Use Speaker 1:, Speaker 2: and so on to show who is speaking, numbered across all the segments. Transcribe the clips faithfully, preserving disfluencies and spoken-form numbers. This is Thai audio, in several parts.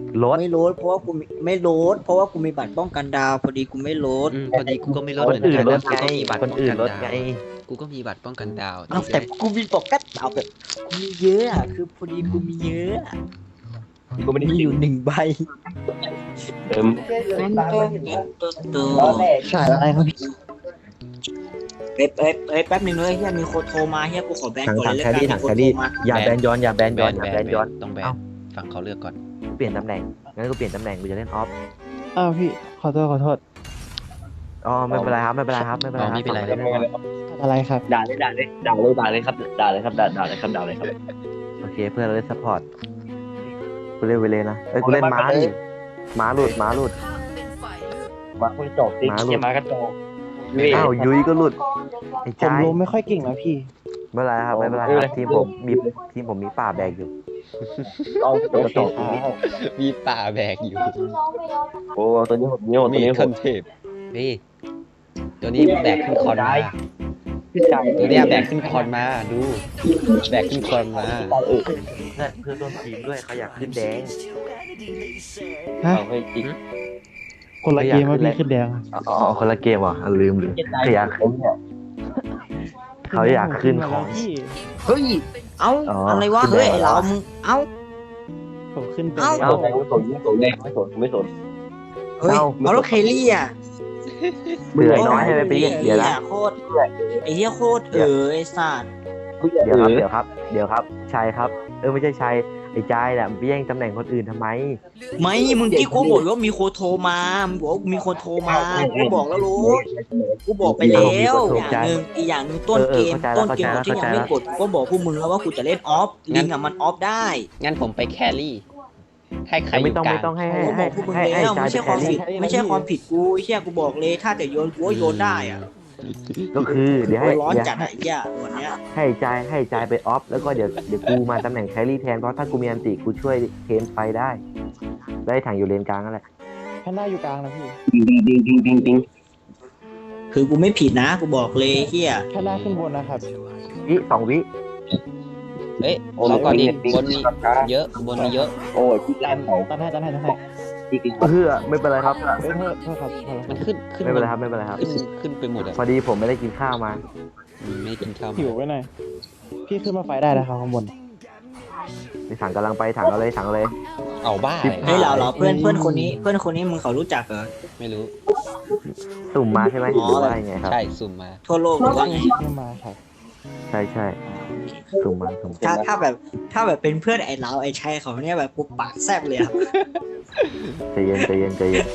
Speaker 1: รถ
Speaker 2: ไม่โหลดเพราะว่ากูไม่โหลดเพราะว่ากูมีบัตรป้องกันดาวพอดีกูไม่โหลด
Speaker 3: อืมพอดีกูก็ไม่ลด
Speaker 1: ค
Speaker 3: เห
Speaker 1: น
Speaker 3: มือน
Speaker 1: อื่น
Speaker 3: กัน
Speaker 1: ร
Speaker 3: นะ
Speaker 1: ถ
Speaker 3: กู
Speaker 1: ไง
Speaker 3: ก็มีบัตร
Speaker 1: คน
Speaker 3: ป้อง
Speaker 1: อื่
Speaker 3: กัน น
Speaker 1: รถ
Speaker 3: ดา
Speaker 1: ไง
Speaker 3: วกูก็มีบัตรป้องกันดาว
Speaker 2: เอาแต่กูมีป้องกันดาวแบบกูมีเยอะอะคือพอดีกูมีเยอะอะ
Speaker 4: กูไม่ได้
Speaker 2: มีอยู่หนึ่งใบ
Speaker 4: เติม
Speaker 2: ตัว
Speaker 5: ฉายอะไรครับพี่
Speaker 2: เฮ้ยเฮ้ยเฮ้ยแป๊บหนึงเลยเฮียมีคนโทรมาเฮียกูขอแบน
Speaker 1: ถัง
Speaker 2: ก่อน
Speaker 1: ถัง
Speaker 2: เลย
Speaker 1: แค
Speaker 2: แล้วกัน
Speaker 1: รี่ถัง
Speaker 2: มีคน
Speaker 1: แครี่
Speaker 2: โทรมา
Speaker 1: อย่าแบนย้อนอย่าแบนย้อนอย่าแบนย้อน
Speaker 3: ต้องแบน
Speaker 1: เอ้า
Speaker 3: ฝั่งเขาเลือกก่อน
Speaker 1: เปลี่ยนตำแหน่งงั้นกูเปลี่ยนตำแหน่งกูจะเล่นออฟ
Speaker 5: อ้าวพี่ขอโทษขอโทษ
Speaker 1: อ๋อไม่เป็นไรครับไม่เป็นไรครับไม่เป็นไรครับ
Speaker 3: ไม่เป็นไร
Speaker 1: ฝั่งล่นออฟ
Speaker 5: อะไรครับ
Speaker 4: ด่าเลยด่าเลยด่าเลยด่าเลยครับด่าเลยครับด่าด่าเลยครับด่าเลยครับ
Speaker 1: โอเคเพื่อนเราเล่นซัพพอร์ตกูเล่นเวเลนะเอ้ยกูเล่นม้าดิม้าหลุดม้าหลุด
Speaker 4: มาคุยจบดิ
Speaker 1: มาลูก
Speaker 4: เชี่ยมากระโจก
Speaker 1: อ้าวยุ้ยก็หลุดไอ้
Speaker 5: ผ
Speaker 1: ใจ
Speaker 5: มรู้ไม่ค่อยเก่งนะพี่
Speaker 1: ไม่เป็นไรครับไม่เป็นไรครับทีมผมมีทีมผมมีป่าแบกอยู่
Speaker 4: เอาตัวกระโจก
Speaker 3: มีป่าแบกอยู่
Speaker 4: โอ้ตัวนี้ผมนี่ตัว
Speaker 3: มี
Speaker 4: นี้ผ
Speaker 3: คั
Speaker 4: ม
Speaker 3: นเทพนี่ตัวนี้แบกขึ้นคอนมา
Speaker 4: พี่ชาย
Speaker 3: ตัวเนี้ยแบกขึ้นคอนมาดูแบกขึ้นคอนมา
Speaker 4: เออ
Speaker 1: เพื่อนเพื่อนร่วมทีมด้วยเขาอยากขึ้นแดง
Speaker 5: ฮะ
Speaker 4: เอาให้จริง
Speaker 5: คนละเกมว่าพี่ขึ้นแดง
Speaker 1: อ๋อคนละเกมเหรออ่ะลืมลืมเขาอยาก
Speaker 4: ผมเนี่ย
Speaker 1: เขาอยากขึ้นของ
Speaker 5: พี่
Speaker 2: เฮ้ยเอ้า
Speaker 1: อ๋อ
Speaker 2: อะไรวะ
Speaker 1: ขึ้น
Speaker 2: เฮ้ย
Speaker 1: แดง
Speaker 2: ไอ้เรามึงเอ้า
Speaker 5: ผมขึ้นไป
Speaker 2: เอ้า
Speaker 5: แล้
Speaker 4: เอา
Speaker 5: ว
Speaker 4: แต่ไม่สนไม่สนเลยไม่สนไม่สน
Speaker 2: เฮ้ยเอาแล้วเคลลี่อ่ะ
Speaker 1: เบื่อน้อยให้ไปเรียกเดี๋ยวนะ
Speaker 2: โคตรไอ้เหี้ยโคตรเออไอ้สัตว์
Speaker 1: เดี๋ยวครับเดี๋ยวครับเดี๋ยวครับชัยครับเออไม่ใช่ชัยไอ้ใจายแหละไปแย่งตำแหน่งคนอื่นทำไม
Speaker 2: ไม่มึงที่กูบอกว่ามีคนโทรมามึงบอกว่ามีคนโทรมากูบอกแล้วรู้กูบอกไปแล้วอย่างหนึ่งอีกอย่างหนึ่งต้นเกมต้นเกมก่อนที่ยังไม่กดกูก็บอกพวกมึงแล้วว่ากูจะเล่นออฟลิงอ่ะมันออฟได้
Speaker 3: งั้นผมไปแครี่ให้ใครอ
Speaker 1: ไม่
Speaker 3: ยู่
Speaker 1: ต้อง
Speaker 3: กลา
Speaker 1: ไม่
Speaker 3: ง
Speaker 1: ต้องให้
Speaker 2: กู
Speaker 1: ให้
Speaker 2: ก็บ
Speaker 1: ให้
Speaker 2: อกพวกมึง
Speaker 1: ให้
Speaker 2: แล้ว
Speaker 1: ให้ใจ
Speaker 2: ไม่
Speaker 1: ไป
Speaker 2: ใช่
Speaker 1: แค
Speaker 2: ความ
Speaker 1: รี่
Speaker 2: ผิดไม่ใช่ความผิดกูไอ้เชี่ยกูบอกเลยถ้าแต่โยนกูก็โยนได้อ่ะ
Speaker 1: ก็คือเดี๋ยว
Speaker 2: กู
Speaker 1: ให้
Speaker 2: ร้อน
Speaker 1: เดี๋ยว
Speaker 2: จัดไอ้เหี้ยวันเนี้ย
Speaker 1: ให้ใจายให้ใจายไปออฟแล้วก็เดี๋ยวเดี๋ยวกูมาตำแหน่งแครี่แทนเพราะถ้ากูมีอันติกูช่วยเทนไฟได้ ได้ถังอยู่เลนกลางนั่นแหละ
Speaker 5: แพนด้าอยู่กลางนะพี่
Speaker 4: ดิงดิงดิงดิงดิง
Speaker 2: คือกูไม่ผิดนะกูบอกเลยเฮีย
Speaker 5: แพนด้าขึ้นบนนะครับ
Speaker 1: วิสองวิ
Speaker 3: เอ้ยเราก่อนดิบนมีเยอะบนมีเยอะ
Speaker 4: โอ้ยพี่แรมเขา
Speaker 5: ตันให้ตันให้ตันให้
Speaker 4: จริง
Speaker 1: เพื่อไม่เป็นไรครับ
Speaker 5: เอ้ยโทษโทษครับโทษครับ
Speaker 3: มันขึ้นขึ้น
Speaker 1: ไม่เป็นไรครับไม่เป็นไรครับ
Speaker 3: ขึ้นขึ้นไปหมดอ่ะ
Speaker 1: พอดีผมไม่ได้กินข้าวมา
Speaker 3: อืมไม่กินข้าว
Speaker 5: หิวไว้หน่อยพี่ขึ้นมาไฟได้นะครับข้างบน
Speaker 1: ในถังกำลังไปถังเอาเลยถังเอาเลย
Speaker 3: เอาบ้า
Speaker 2: เฮ้ยเราเราเพื่อนเพื่อนคนนี้เพื่อนคนนี้มึงเขารู้จักเหรอ
Speaker 3: ไม่รู้
Speaker 1: สุ่มมาใช่ไหมห
Speaker 2: อ๋อ
Speaker 1: รือว่ายังไงครับ
Speaker 3: ใช่สุ่มมา
Speaker 2: ทั่วโลกหรือว่าไง
Speaker 5: ขึ้นมาครับ
Speaker 1: ใช่ใช่สุ่มมาสุ่ม
Speaker 2: ถ้าถ้าแบบถ้าแบบเป็นเพื่อนไอ้เราไอ้ชัยเขาเนี่ยแบบกูปากแซบเลยอะ
Speaker 1: ใจเย็นใจเย็นใจเย็น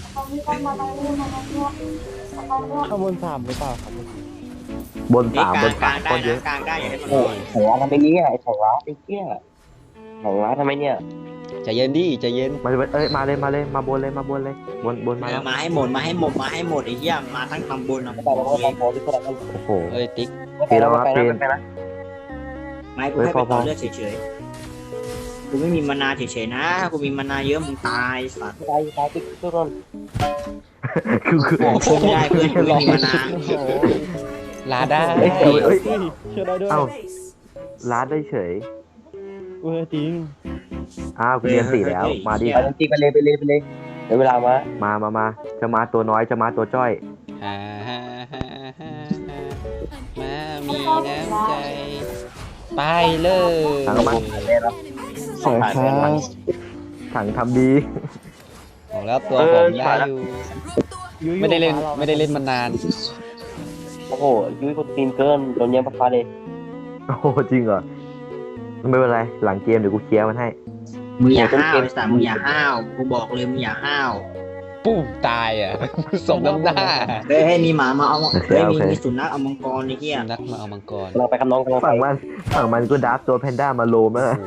Speaker 5: ข้างบนสามหรือเปล่าครับ
Speaker 1: บน
Speaker 2: นี่
Speaker 1: สาม
Speaker 2: ก
Speaker 1: บ
Speaker 2: ลาง
Speaker 1: น
Speaker 2: ก
Speaker 1: สา
Speaker 2: ลาม งได้
Speaker 1: คนเย
Speaker 2: นะ
Speaker 1: อะ
Speaker 2: กลางได้อย่าให้มัน
Speaker 4: ๆโอ้ยของร้านทำไมเนี่ยไอ้ของร้านไอ้เกี้ยของร้านทำไมเนี่ย
Speaker 3: ใจเย็นดิใจเย็น
Speaker 1: มาเลยเอ้ยมาเลยมาเลยมาบนเลยมาบนเลยบนบนมา
Speaker 2: เอ
Speaker 1: แล้
Speaker 2: อ
Speaker 1: ว
Speaker 2: มาให้หมดมาให้หมดมาให้หมดไอ้เหี้ยมาทั้งตำบลนะ
Speaker 4: ไม่ต้องไม่ต้องโพสที่คนละคน
Speaker 1: โอ้โห
Speaker 3: เอ้ยติ๊ก
Speaker 1: ปีแล้วมาเป็น
Speaker 4: ไปนะ
Speaker 2: ไม่กูให้ไปต่อเลือดเฉยๆกูไม่มีมานาเฉยๆนะกูมีมานาเยอะมึงตายสัตว์
Speaker 4: ตายตายติ๊กทุกคน
Speaker 1: คือคือ
Speaker 2: บอกช่วยไม่ได้เพื่อนกูไม่มีมานา
Speaker 5: โอ้โห
Speaker 3: ลาได้
Speaker 1: เอ้ยคือเอ้ย
Speaker 5: เฮ้ยเชื่อได้ด้วย
Speaker 1: เอ้าลาดได้เฉย
Speaker 5: เออจริง
Speaker 1: อ้าวคุณเรียนสี่แล้วมาดิ
Speaker 4: ไปจริงไปเลยไปเลยไปเลยเดี๋ยวเวลามา
Speaker 1: มามามาจะมาตัวน้อยจะมาตัวจ้อย
Speaker 3: ฮ่าฮ่าฮ่าฮ่ามามีน้ำใจไปเลย
Speaker 1: ถังมัน
Speaker 5: สวยครับ
Speaker 1: ถังทำดี
Speaker 3: บอกแล้วตัวผมได้อยู่
Speaker 5: ยุ้ย
Speaker 3: ไม่ได้เล่น
Speaker 5: อยู่ขวารา
Speaker 3: ไม่ได้เล่นมานาน
Speaker 4: โอ้โหยุ้ยคนตีนเกินโดนแย่งปลาเลย
Speaker 1: โอ้โหจริงเหรอไม่เป็นไรหลังเกมเดี๋ยวกูเคลียร์มันให้
Speaker 2: มึงอย่าห้าวไอ้สัตว์มึงอย่าห้าวกูบอกเลยมึงอย่าห้าว
Speaker 3: ปุ้มตายอ่ะ สมน้ำหน้า
Speaker 2: เฮ้ยให้มีหมามาเอาเฮ้ยมีมีสุนัขเอามังกรไอ้เหี้ย
Speaker 3: นักมาเอามังกร
Speaker 4: เราไปคำน้องกัน
Speaker 1: ฝั่งมันฝั่งมันก็ดับตัวแพนด้ามาโลมแล้วนะ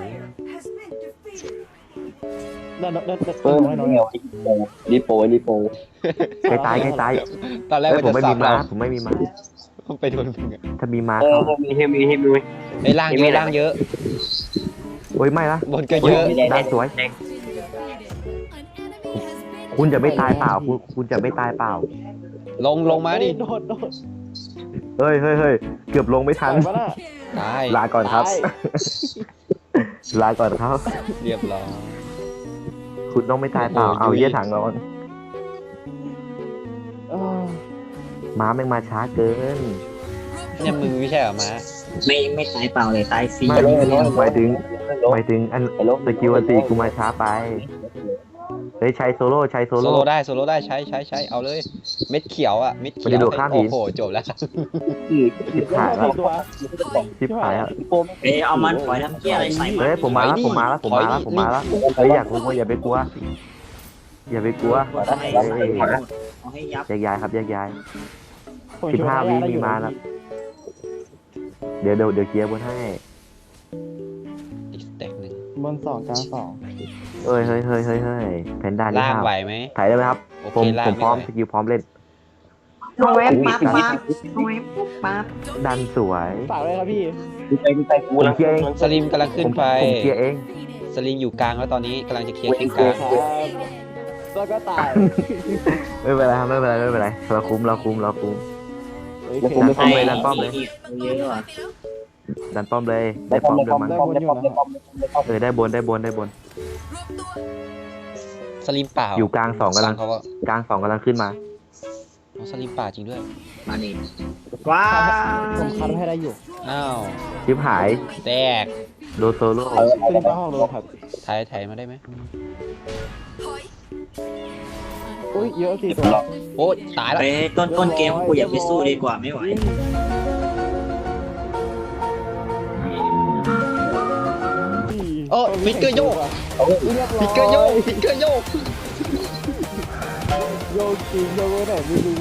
Speaker 5: ได้ได้ได้ได้
Speaker 4: เพิ่ม
Speaker 5: น้อยน้อย
Speaker 4: เดียวรีโปรีโป
Speaker 1: ใกล้ตายใกล้ตาย
Speaker 3: ตอนแรก
Speaker 1: เอ้ย
Speaker 3: มัน
Speaker 1: ผม
Speaker 3: จะ
Speaker 1: ไม่
Speaker 3: สั
Speaker 1: มี
Speaker 3: บ
Speaker 1: ม้า
Speaker 3: เรา
Speaker 1: ผมไม่มีม้า
Speaker 3: ไปโดนมึงอะ
Speaker 1: ถ้ามีม้า
Speaker 4: เออ
Speaker 1: เข้า
Speaker 4: มีเฮมีเฮมี
Speaker 3: ไอ้ยล่างเยอะล่างเยอะ
Speaker 1: โอ้ยไม่ละ
Speaker 3: บนก็เยอะ
Speaker 1: ด้านสวย คุณจะไม่ตายเปล่า คุณคุณจะไม่ตายเปล่า
Speaker 3: ลงลงมาดิ
Speaker 5: โดดโดด
Speaker 1: เฮ้ยเฮ้ยเฮ้ยเกือบลงไม่ทัน
Speaker 5: ปะน่ะ
Speaker 3: ตาย
Speaker 1: ลาก่อนครับ
Speaker 5: ตาย
Speaker 1: ลาก่อนครับ
Speaker 3: เรียบร้อย
Speaker 1: โคุณต้องไม่ตายเปล่าเอาเยี่ยถังร้อน
Speaker 5: เออ
Speaker 1: ม้าแม่งมาช้าเกิน
Speaker 3: เนี่ยมึงไม่ใช่เหรอมา
Speaker 2: ไม่ไม่ตายเปล่าเลยตายฟรี
Speaker 1: ไม่หมายถึงหมายถึงอันสกิลอันตีกูมาช้าไปเฮ้ยใช้โซโล่ใช้โซ
Speaker 3: โซ
Speaker 1: โล่
Speaker 3: โล่ได้โซโล่ได้ใช้ใช้ใช้เอาเลย เม็ดเขียวอ่ะเม็ดเขี
Speaker 1: มัน
Speaker 3: ยว
Speaker 1: จะโดดข้ามหิน
Speaker 3: โอ้โหจบแล้ว
Speaker 1: ชิบหายแล้ว
Speaker 5: ตัว
Speaker 1: ชิบหายแล้ว
Speaker 2: เอ้ยเอามันปล่อยทำเกี้ยอะไรใส่มัน
Speaker 1: เฮ้ยผมมาแล้วผมมาแล้วผมมาแล้วผมมาแล้วเฮ้ยอยากกลัวอย่าไปกลัวอย่าไปกลัว
Speaker 2: เอาให้เอาให้เอาให้ยับ
Speaker 1: แยกย้ายครับแยกย้าย
Speaker 5: ผม
Speaker 1: สิบ
Speaker 5: ช่วย
Speaker 1: ห้า
Speaker 5: ได้
Speaker 1: วิ
Speaker 5: ได้อ
Speaker 1: มี
Speaker 5: ยู่
Speaker 1: มาแล้ว เดี๋ยวเดี๋ยวเดี๋ยวเคลียร์บนให้
Speaker 3: อีกสเต็กหนึ่ง
Speaker 5: บนสองกลางสอง
Speaker 1: เฮ้ยเฮ้ยเฮ้ยเฮ้ยเฮ้ยแพนด้านี่
Speaker 3: ล่าง
Speaker 1: ห้าว
Speaker 3: ไหวไหม
Speaker 1: ถ่ายได้ไหมครับ
Speaker 3: โอ
Speaker 1: ผม
Speaker 3: เคล่า
Speaker 1: ผ
Speaker 3: ง
Speaker 1: มพร้อม
Speaker 3: ไม่
Speaker 1: ส
Speaker 3: ไหว
Speaker 1: กิลพร้อมเล่น
Speaker 2: โนเวฟปั๊บปั๊บโนเวฟปั๊บ
Speaker 1: ดันสวย
Speaker 5: ฝากเลยครับพี่
Speaker 4: กูไปกูไปกู
Speaker 1: ผม
Speaker 4: แล้ว
Speaker 1: เคลียร์เอง
Speaker 3: สลิมกำลังขึ้นไป
Speaker 1: ผมเคลียร์เอง
Speaker 3: สลิมอยู่กลางแล้วตอนนี้กำลังจะเคลียร์ขึ้นกลาง
Speaker 5: ครับแล้วก็ตาย
Speaker 1: ไม่เป็นไรครับไม่เป็นไรไม่เป็นไรเราคุ้มเราคุ้มเราคุ้ม
Speaker 5: โอเค
Speaker 1: ดันป้อมเลยดันป้อมเลย
Speaker 2: เยอะว่ะ
Speaker 1: ดันป้อมเลยได้ป้อมด้วยมั้ง
Speaker 5: ได้บนอยู่นะ
Speaker 1: เออได้บนได้บนได้บน
Speaker 3: สลิมเปล่า
Speaker 1: อยู่กลางสองกำลัง
Speaker 3: เขาว่าก
Speaker 1: ลางสองกำลังขึ้นมา
Speaker 3: อ๋อสลิมเปล่าจริงด้วย
Speaker 2: มานี่ว้า
Speaker 5: ผมคัดให้ได้อยู่
Speaker 3: อ้าว
Speaker 1: ชิบหาย
Speaker 3: แตก
Speaker 1: โดนโซโล่
Speaker 5: ขึ้นไปห้องโดนครับ
Speaker 3: ถ่ายถ่ายมาได้ไหม
Speaker 5: อุ้ยเยอะสี่ตัว
Speaker 3: โอ้ตายแล้ว
Speaker 2: ไปต้นต้นเกมกูอย่าไปสู้ดีกว่าไม่ไหว
Speaker 3: โอ้ฟิกเกอร์โยก
Speaker 5: เรียบร้อย
Speaker 3: ฟิกเกอร์โยกฟิกเกอร์โยก
Speaker 5: โยกจริงโยกไหนไม่รู้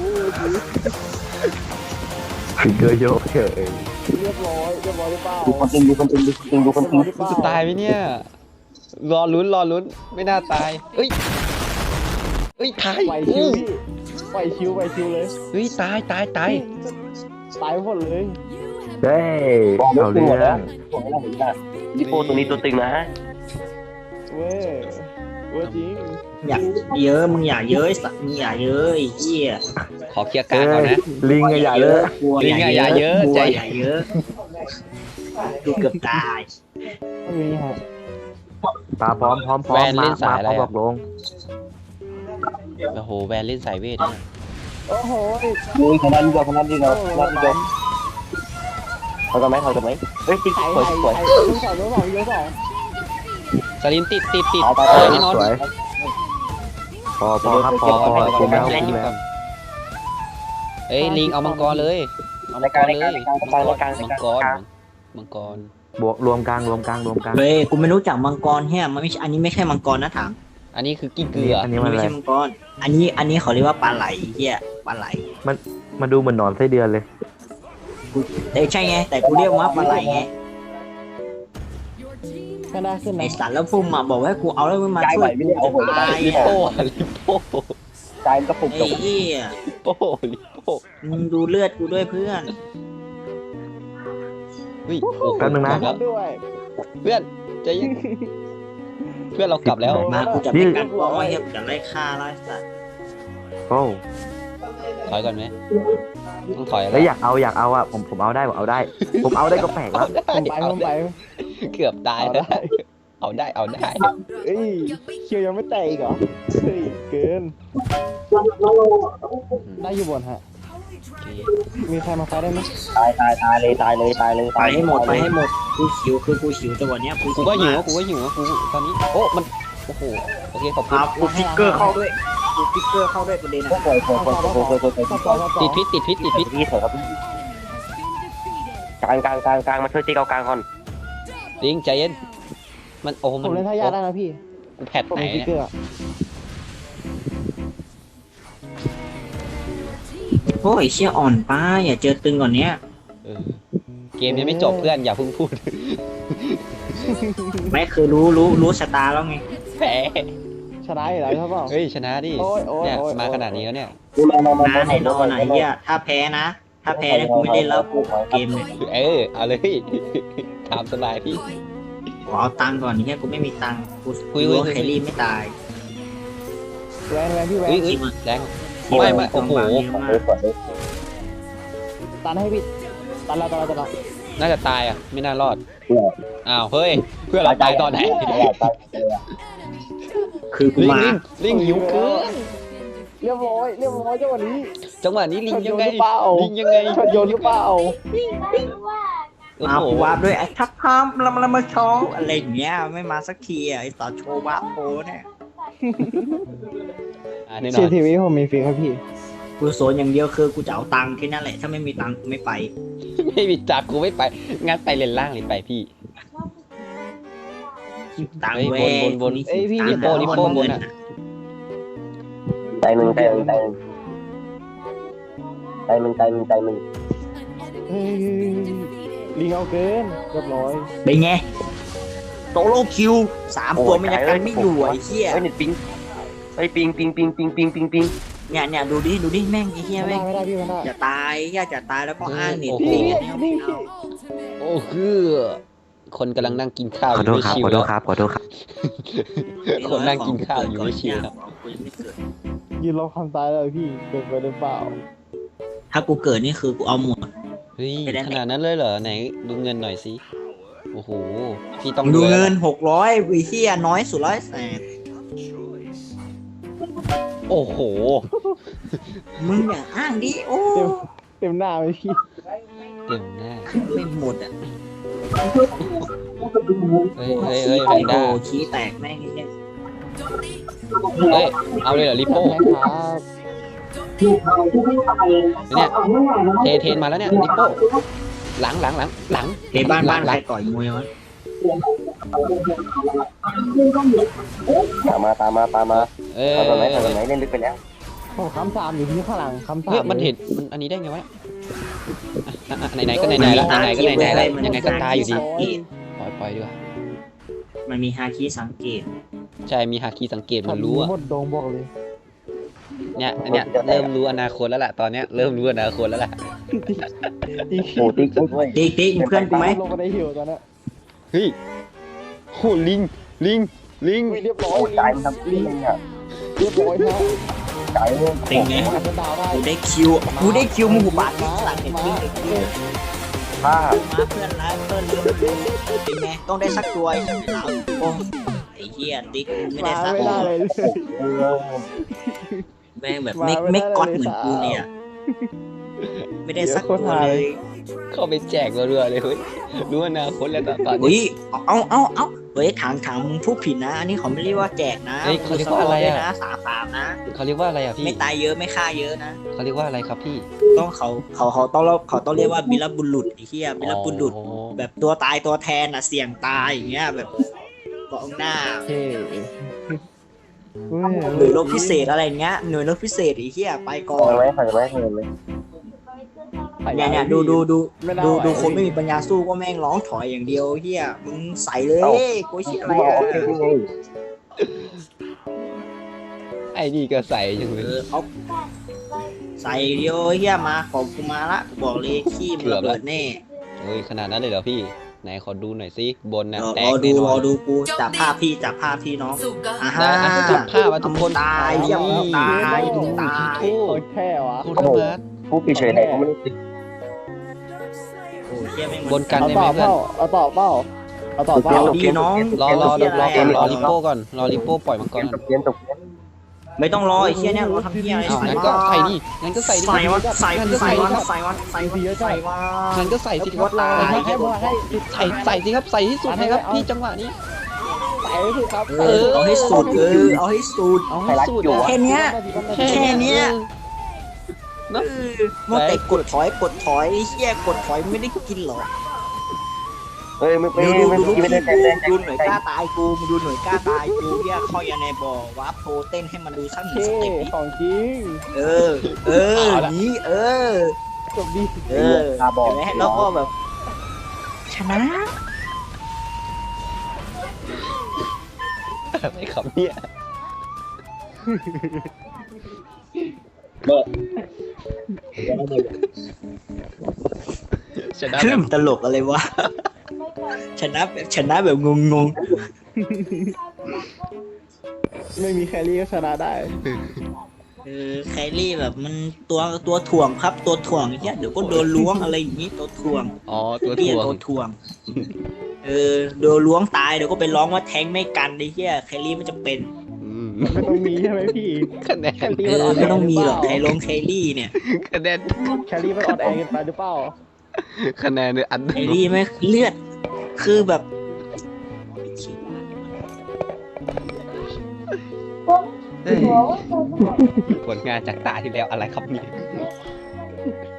Speaker 1: ฟิกเกอร์โยกเฉย
Speaker 5: เรียบร้อยเรียบร้อยหรือเปล่า
Speaker 4: ดูคนตึงดูคนตึงดูคนตึงดูคนตึง
Speaker 3: กูจะตายไหมเนี่ยรอลุ้นรอลุ้นไม่น่าตายเอ้ยเอ้ยตาย
Speaker 5: ไหวชิวพี่ไหวชิวไหวชิวเลย
Speaker 3: เฮ้ยตายตายตาย
Speaker 5: ตายหมดเลย
Speaker 1: เฮ้ยเอาเรื่อง
Speaker 4: ดิโปตัวนี้ตัวตึงนะฮะ
Speaker 5: เว้ยเว้ยจริง
Speaker 2: อย่าเยอะมึงอย่าเยอะสัตว์มึงอย่าเยอะไอ้เหี้ย
Speaker 3: ขอเคลียร์กลา
Speaker 1: เอ้
Speaker 3: งก่อน
Speaker 1: ย
Speaker 3: นะ
Speaker 1: ลิงอะอย่าเลย
Speaker 2: กลัว
Speaker 3: ลิงอะอย่าเยอะ
Speaker 2: กลัว
Speaker 3: ใจ
Speaker 2: อย่าเยอะกูเกือบตาย
Speaker 5: ไม่มีฮะ
Speaker 1: ปลาพร้อมพร้อมพร้อมมามาพร้อมบอกลง
Speaker 3: โอ้โหแวนเล่นสายเวทเนี่ย
Speaker 5: โอ้โห
Speaker 4: โอ้ยคนนั้นดีกว่าคนนั้นดีกว่าคนนั้นดีกว่าเขาจะไหมเขาจะไหมเฮ้ยติ๊ก
Speaker 5: ไถ่
Speaker 4: สวย
Speaker 5: ไถ่
Speaker 4: สวย
Speaker 5: ไถ่ลูกสองลูกสองเยอะสอง
Speaker 3: สลิมติดติดติด
Speaker 4: เอาไป
Speaker 3: เอ
Speaker 4: ไป
Speaker 3: อแน่นอน
Speaker 1: สวยพอพอครับพอพอคุ้มแล้วคุ้มแล้ว
Speaker 3: เอ้ยลิงเอามังกรเลยเอา
Speaker 4: ใน
Speaker 3: มังก
Speaker 4: กลาง
Speaker 3: ร
Speaker 4: ใน
Speaker 3: เล
Speaker 4: กลาง
Speaker 3: ย
Speaker 4: ในกลางในกลางใน
Speaker 3: มัง
Speaker 4: กลาง
Speaker 3: กรมังกร
Speaker 1: บวกรวมกลางรวมกลางรวมกลาง
Speaker 2: เฮ้ยกูไม่รู้จักมังกรเฮียมันไม่ใช่อันนี้ไม่ใช่มังกรนะถาม
Speaker 3: อันนี้คือกิ้งเกลือ
Speaker 1: อันนี้มัน
Speaker 2: ไม่
Speaker 1: อะไร
Speaker 2: ใช่มังกรอันนี้อันนี้เขาเรียกว่าปลาไหลเฮียปลาไหล
Speaker 1: มันดูเหมือนหนอนไส้เดือนเลย
Speaker 2: แต่ใช่ไงแต่กูเรียกว่าปลาไหลไง
Speaker 5: แค่ได้ขึ้น
Speaker 2: ไอ
Speaker 5: นะ
Speaker 2: สัตว์แล้วพุ่มมาบอกว่าให้กูเอาแล้วมึงมา
Speaker 4: ใจ
Speaker 2: ช่
Speaker 4: ไหว
Speaker 2: วย
Speaker 4: ไม่ได้เอาหัว
Speaker 2: ตาย
Speaker 3: ลิ
Speaker 2: อ่ะ
Speaker 3: โป้อะลิโป้
Speaker 4: ใจมันก็ปุบ
Speaker 2: ไอ้
Speaker 4: จบ
Speaker 2: เหี้ย
Speaker 3: ลิโป้ลิโป้
Speaker 2: มึงดูเลือดกูด้วยเพื่อน
Speaker 3: เฮ้ยโอ้โห
Speaker 1: แป๊บนึงนะ
Speaker 3: จบแล้ว
Speaker 5: ด้วย
Speaker 3: เพื่อนใจเย็นเพื่อนเรากลับแล้ว
Speaker 2: มากูจะไปกัดป้องไอ้เหี้ยกูจะไล่ฆ่าไล่สัตว์
Speaker 1: โอ้
Speaker 3: ถอยก่อนไหมต้องถอยแล้
Speaker 1: แล้ว วอยากเอาอยากเอาอ่ะผมผมเอาได้ผมเอาได้ ผมเอาได้ก็แปลกแล้ว
Speaker 5: ผมไปผมไป
Speaker 3: เกือบตายแล้วเอาได้เอาได้
Speaker 5: เอ้ยเคียวยังไม่แตกอีกเหรอเฮ้ยเกินได้อยู่บนฮะ
Speaker 3: โอเค
Speaker 5: มีใครมาไฟได้ไหม
Speaker 4: ตายตายตายเลยตายเลยตายเลย
Speaker 2: ไปให้หมดไปให้หมดกูหิวคือกูหิวจังหวะเนี้ย
Speaker 3: กูก็หิวกูก็หิวกูตอนนี้โอ้มันโอ้โหโอเคขอบคุณ
Speaker 2: เอากูฟิกเกอร์เข้าด้วยกูฟิกเกอร์เข้าด้วยประเด็น
Speaker 4: ก็
Speaker 2: อ่ะ
Speaker 4: สวยสวยสวยสวยสวยสวยสวย
Speaker 5: ต่อต่อต่อ
Speaker 3: ติดพิษติดพิษติดพิษ
Speaker 4: พี่สวยครับกลางกลางกลางกลางมาช่วยติ๊กเอากลางก่อน
Speaker 3: ลิงใจเย็นมันโอ้
Speaker 5: ผ
Speaker 3: มัน
Speaker 5: มเล่นท่ายาได้นะพี่
Speaker 3: กูแพท
Speaker 5: ผม
Speaker 3: ไหน
Speaker 5: มีฟิก
Speaker 3: เนี่ย
Speaker 5: เกอร์
Speaker 2: โอ้ยเชี่ยอ่อนป้าอย่าเจอตึงก่อนเนี้ย
Speaker 3: เออเกมยังไม่จบเพื่อนอย่าเพิ่งพูด
Speaker 2: ไม่คือรู้รู้รู้ชะตาแล้วไง
Speaker 3: แพ้
Speaker 5: ชนะอยู่แล้วใช่เปล่า
Speaker 3: เฮ้ยชนะดิ
Speaker 5: โอ้ยโอ้ย
Speaker 3: เนี่ย
Speaker 5: โอ้ย
Speaker 3: มาขนาดนี้แล้วเนี่ย
Speaker 4: มามามา
Speaker 2: นะไหนรอไหนเหี้ยถ้าแพ้นะ ถ้าแพ้เนี่ยกูไม่เล่นแล้วกูขอเกมเลย
Speaker 3: เออเอาเลย ถามสบายพี่
Speaker 2: ขอเอาตังค์ก่อนเนี่ยกูไม่มีตังค์กู
Speaker 3: คุย
Speaker 2: รู้
Speaker 3: คุย
Speaker 2: ว่าแครี่ไม่ตาย
Speaker 5: แวนแวนพี่แวน
Speaker 3: เฮ้ยเฮ้ยแรงไม่ไม่โอ้โห
Speaker 2: เยอะมาก
Speaker 5: ตันให้พี่ตันแล้วตันแล้วตันแล้ว
Speaker 3: น่าจะตายอ่ะไม่น่ารอดอ้าวเฮ้ยเพื่อนเราตายตอนไหน
Speaker 2: คือกู
Speaker 3: ลิง
Speaker 2: มา
Speaker 3: ลิงลิงหิวเกิน
Speaker 5: เรียบร้อยเรียบร้อยจังหวะนี้
Speaker 3: จังหวะนี้ลิงยังไง
Speaker 5: ชนโยนหรือเปล่า
Speaker 3: ลิงยังไง
Speaker 5: ชนโยนหรือเปล่า
Speaker 3: โอ้
Speaker 2: มา
Speaker 3: โห
Speaker 2: กูวาร์ปด้วยไอ้ทับพามลำลำมาชองอะไรอย่างเงี้ยไม่มาสักทีอ่ะไอ้ต่อโชว์วาร์ปโพเนี่ย
Speaker 3: อ่าแน่น
Speaker 5: ชี
Speaker 3: อน
Speaker 5: ทีวีผมมีฟรีครับพี่
Speaker 2: กูโซนอย่างเดียวคือกูจะเอาตังค์แค่นั้นแหละถ้าไม่มีตังค์กูไม่ไป
Speaker 3: ไม่มีจับกูไม่ไปงั้นไปเลนล่างเลยไปพี่
Speaker 2: ตังค์
Speaker 3: เฮ้
Speaker 2: เว้
Speaker 3: ย
Speaker 2: ย
Speaker 3: บนบนบน
Speaker 2: ค
Speaker 5: เอ้ยพี่
Speaker 2: ตังค์
Speaker 3: ลิโป้ลิโป้บนอะ
Speaker 4: ใจมึงใจมึงใจมึงใจมึงใจมึงใจมึง
Speaker 5: เฮ้ยลิงเอาเกินเรียบร้อย
Speaker 2: เป็นไงโตโลคิวสามตัวไม่ยังกันไม่อยู่ไอ้เหี้ย
Speaker 4: เฮ้ยเน็ตปิงเฮ้ยปิงปิงปิงปิงปิงปิงปิง
Speaker 2: เนี่ยเนี่ยดูดิดูดิแม่งไอ้เหี้ย
Speaker 5: ไม่
Speaker 2: แม่
Speaker 5: ได้
Speaker 2: ง
Speaker 5: ไม่ได้พี่ไม่ได้
Speaker 2: อย่าตายอย่าจะตายแล้วก็อ้างเน็ต
Speaker 3: โอ้โห
Speaker 2: ปิงเนี่ยไม่เอา
Speaker 3: โอ้คือคนกำลังนั่งกินข้าวอ
Speaker 1: ขอยู่ โทษ
Speaker 3: ไม่
Speaker 1: ครับ
Speaker 3: ชิว
Speaker 1: ขอโท
Speaker 3: แล้
Speaker 1: ษ
Speaker 3: ว
Speaker 1: ครับขอโทษครับ
Speaker 3: คนนั่งกินข้าวอยู่ไม่ชิวครับ
Speaker 2: กูยังไม่เกิด
Speaker 5: ยืนรอคำตายเลยพี่เกินไปหรือเปล่า
Speaker 2: ถ้ากูเกิดนี่คือกูเอาหมด
Speaker 3: เฮ้ย
Speaker 2: ไม่ได้
Speaker 3: ขนาดนั้นเลยเหรอไหนดูเงินหน่อยสิโอ้โหพี่ต้อง
Speaker 2: ดู
Speaker 3: วย
Speaker 2: เงิ
Speaker 3: แล้ว
Speaker 2: น
Speaker 3: ล่ะ
Speaker 2: หกร้อยวิเฮียน้อยสุดร้อยแสน
Speaker 3: โอ้โห
Speaker 2: มึงอย่าอ้างดิโอ้
Speaker 5: เต็มหน้าไหมพี่
Speaker 3: เต็มหน้า
Speaker 2: ไม่หมดอ่ะ
Speaker 3: เฮ้ยเฮ้ยเฮ้ยแพ
Speaker 2: โอ้
Speaker 3: น
Speaker 2: โห
Speaker 3: ด้า
Speaker 2: ขี้แตกแม่งไอ้เนี่ย
Speaker 3: เฮ้ยเอาเลยเหรอลิโป้
Speaker 5: แม่ครับ
Speaker 3: เนี่ยเทเทนมาแล้วเนี่ยลิโป้หลังหลังหลังหลัง
Speaker 2: เฮ้ยบ้านบ้าน
Speaker 3: ห
Speaker 2: ใคร
Speaker 3: ลัง
Speaker 2: ต่อยมวยวะ
Speaker 4: ตามมาตามมาตามมา
Speaker 3: เออ
Speaker 4: ทำตอนไหนทำตอนไหนเล่นลึกไปแล้ว
Speaker 5: ผมคำสามอยู่ที่ข้างหลังคำสาม
Speaker 3: เฮ้ยมันเห็นมันอันนี้ได้ไงวะอ่ะอ่ะไหนๆก็ไหนๆแล้วไหนๆก็ไหนๆแล้วยังไงก็ตายอยู่ดี ปล่อยปล่อยดีกว่า
Speaker 2: มันมีฮาคิสังเกต
Speaker 3: ใช่มีฮาคีสังเกตมันรู้อะ
Speaker 5: หมดดงบอกเลย
Speaker 3: เนี่ยเนี่ยเริ่มรู้อนาคตแล้วล่ะตอนเนี้ยเริ่มรู้อนาคตแล้วล่ะ
Speaker 5: ตี
Speaker 4: โอ้ติ๊กด้วย
Speaker 2: ติ๊กติ๊กมึงเพื่อนกูไหม
Speaker 5: ลงมาได้หิวตอนนั้น
Speaker 3: เฮ้ยโหลิงลิงลิง
Speaker 5: อุ้ยเรียบร้อย
Speaker 4: โอ้ใจมันทำลิงอ่ะ
Speaker 5: เรียบร้อยครับ
Speaker 4: ใจมึง
Speaker 2: ติ๊กไง
Speaker 5: อาจจะดาวได้
Speaker 2: กูได้คิวกูได้คิวมึงหูบาดที่หลังเนี่ยติ๊กติ๊กติ๊ก
Speaker 4: ผ้า
Speaker 2: มาเพื่อนรักเพื่อนรักเป็นไงต้องได้สักตัวไอ้สัตว์เราโอ้ไอ้เหี้ยติ๊กไม่ได้
Speaker 5: มา
Speaker 2: สัก
Speaker 5: ไม่
Speaker 2: ตัว
Speaker 5: ได้เลย
Speaker 2: แม่งแบบไม่ไม่ก๊อตเหมือนกูเนี่ย ไม่ได้สักตัวเลย
Speaker 3: เข้าไปแจกรัวๆเลยเฮ้ยรู้อนาคตแล้วตอน
Speaker 2: อุ้
Speaker 3: นี้
Speaker 2: ยเอาเอาเอาเฮ้ยถางถางมึงพูดผิดนะ อันนี้เขาไม่เรียกว่าแจกนะ
Speaker 3: เฮ้ยเขาเรียกว่าอะไรอะ
Speaker 2: ด้วยนะสามสามนะ
Speaker 3: เขาเรียกว่าอะไรอ่ะพี่
Speaker 2: ไม่ตายเยอะไม่ฆ่าเยอะนะ
Speaker 3: เขาเรียกว่าอะไรครับพี่
Speaker 2: ต้องเขาเขาเขาต้องเขาต้องเรียกว่าบิลบุรุษไอ้เหี้ยบิลบุรุษ
Speaker 3: อ๋อ
Speaker 2: แบบตัวตายตัวแทนอ่ะเสี่ยงตายอย่างเงี้ยแบบกองหน้า
Speaker 5: เท่เว้ย
Speaker 2: หน่วยรบพิเศษอะไรอย่างเงี้ยหน่วยรบพิเศษไอ้เหี้ยไปก่อ
Speaker 4: ทำ
Speaker 2: น
Speaker 4: ไหมทำไหมทำไหม
Speaker 2: เนี่ยเนี่ยดูดูดู
Speaker 5: ไม่น่า
Speaker 2: ดู
Speaker 5: ไหว
Speaker 2: ดูคนไม่มีปัญญาสู้ก็แม่งร้องถอยอย่างเดียวเฮียมึงใส่เลยกูเชี่ยอะไร
Speaker 4: กูบอก
Speaker 2: อะ
Speaker 4: โอเคนี่ไง
Speaker 3: ไอ้นี่ก็ใส่จังเล
Speaker 2: เอย อเขาใส่เดียวเฮียมาของกูมาละกูบอกเลยขี้มันระเบิดแน่
Speaker 3: เฮ้ยขนาดนั้นเลยเหรอพี่ไหนขอดูหน่อยสิบนน่ะ
Speaker 2: รอ
Speaker 3: แต
Speaker 2: ร
Speaker 3: ก
Speaker 2: อดู
Speaker 3: แน่น
Speaker 2: ร
Speaker 3: อ
Speaker 2: อน ดูกูจับภาพพี่จับภาพพี่น้องอ่าฮะ
Speaker 3: นะอ่ะจับภาพอ่ะทุกคน
Speaker 2: ตายเฮียมึงตายมึงตาย
Speaker 3: โอ้
Speaker 5: โคตรแท้วะ
Speaker 3: โคตรมาร์ท
Speaker 4: กูปิดเฉยไหนกูไม่ได้ติด
Speaker 2: โอ้เฮียแม่ง
Speaker 3: บนกัน
Speaker 5: เอา
Speaker 3: ได้ไห
Speaker 5: ต่
Speaker 3: ม
Speaker 5: อ
Speaker 3: เพื่
Speaker 5: เป
Speaker 3: อน
Speaker 5: ล่าเอาต่อเปล่าเอาต่อเปล่า
Speaker 2: เอาดีน้อง
Speaker 3: รอรอรอรอก่อนรอลิโป้ก่อนรอลิโป้ปล่อยมังก
Speaker 4: เก
Speaker 3: ร
Speaker 4: ม
Speaker 3: ก่
Speaker 4: ต
Speaker 3: อน
Speaker 4: กเกมตกเกม
Speaker 2: ไม่ต้องรอไอ้เฮียเนี่ยรอทำเฮียอะไร
Speaker 3: อ้าว
Speaker 2: ใส่
Speaker 3: งั้น
Speaker 2: วะ
Speaker 3: ก็ใส่ดิงั้นก็ใส่ดิ
Speaker 2: ใส่วะใส่
Speaker 3: งั้นก็
Speaker 2: ใส่
Speaker 3: ใส่
Speaker 2: วะ
Speaker 3: ดิครับ
Speaker 2: ใส่วะใส่วะใส่วะ
Speaker 3: งั้นก็ใส่สิครับ
Speaker 2: ตาย
Speaker 5: ให้ให้ให้
Speaker 3: ใส่ใส่สิครับใส่ที่สุดเลยครับพี่จังหวะนี้
Speaker 5: ใส่สิครับ
Speaker 2: เออเอาให้สุดเออเอาให้สุด
Speaker 3: เอาให้สุด
Speaker 2: แค่เนี้ย
Speaker 3: แค่
Speaker 2: แค่เนี้ย
Speaker 3: เนอะ
Speaker 2: เออมัวแต่กดถอยกดถอยไอ้เหี้ยกดถอยไม่ได้กินหรอก
Speaker 4: เฮ้ยไม่ไม่
Speaker 2: ดูดู
Speaker 4: ไม่
Speaker 2: ดูลูก
Speaker 4: ไม่
Speaker 2: พี่
Speaker 4: ได้
Speaker 2: กู
Speaker 4: แรง
Speaker 2: ดูหน่วยกล้าตายกูมึงดูหน่วยกล้าตายกูเหี้ยเข้ายันในบ่อวาร์ปโพเต้นให้มันดูสักหนึ่ง
Speaker 5: เท่
Speaker 2: สเต็ปดิ
Speaker 5: ของจริง
Speaker 2: เออ เออนี้เออ
Speaker 5: จบดี
Speaker 2: เออ
Speaker 4: ตาบอด
Speaker 2: เห็นไหมแล้วก็แบบ ชนะ
Speaker 3: อะไรครับเนี่ย ชนะ
Speaker 2: ค
Speaker 3: แบ
Speaker 2: รึ่
Speaker 3: บ
Speaker 2: งตลกอะไรวะ ชนะแบบชนะแบบงง
Speaker 5: ไม่มีแครี่ก็ชนะได้
Speaker 2: ๆเออแครี่แบบมันตัวตัวถ่วงครับตัวถ่วงเหี้ยเดี๋ยวก็โดนล้วงอะไรอย่างนี้ตัวถ่วง
Speaker 3: อ๋อตัว
Speaker 2: เตี้ย
Speaker 3: ถ่วง
Speaker 2: ตัวถ่วง เออโดนล้วงตายเดี๋ยวก็ไปร้องว่าแทงไม่กันไอ้เหี้ยแครี่มันจะเป็น
Speaker 3: อืม
Speaker 5: ไม่ต้องมีใช่ไหมพี่
Speaker 3: คะแนน
Speaker 5: แคลรี่
Speaker 2: เอ
Speaker 5: มัน
Speaker 2: อ
Speaker 5: อ่อนแอ
Speaker 2: ไม่ต้องมีหรอก
Speaker 5: เป
Speaker 2: ใคร
Speaker 5: ล่า
Speaker 2: ลงแครี่เนี่ย
Speaker 3: คะแนน
Speaker 5: แคลรี่มันอ่อนแอเกินไปหรือเปล่า
Speaker 3: คะแนนเนี่ยอัน
Speaker 2: แครี่ไม่เลือด คือแบบ
Speaker 3: เฮ้ยผลงานจากตาที่แล้วอะไรครับเนี่ย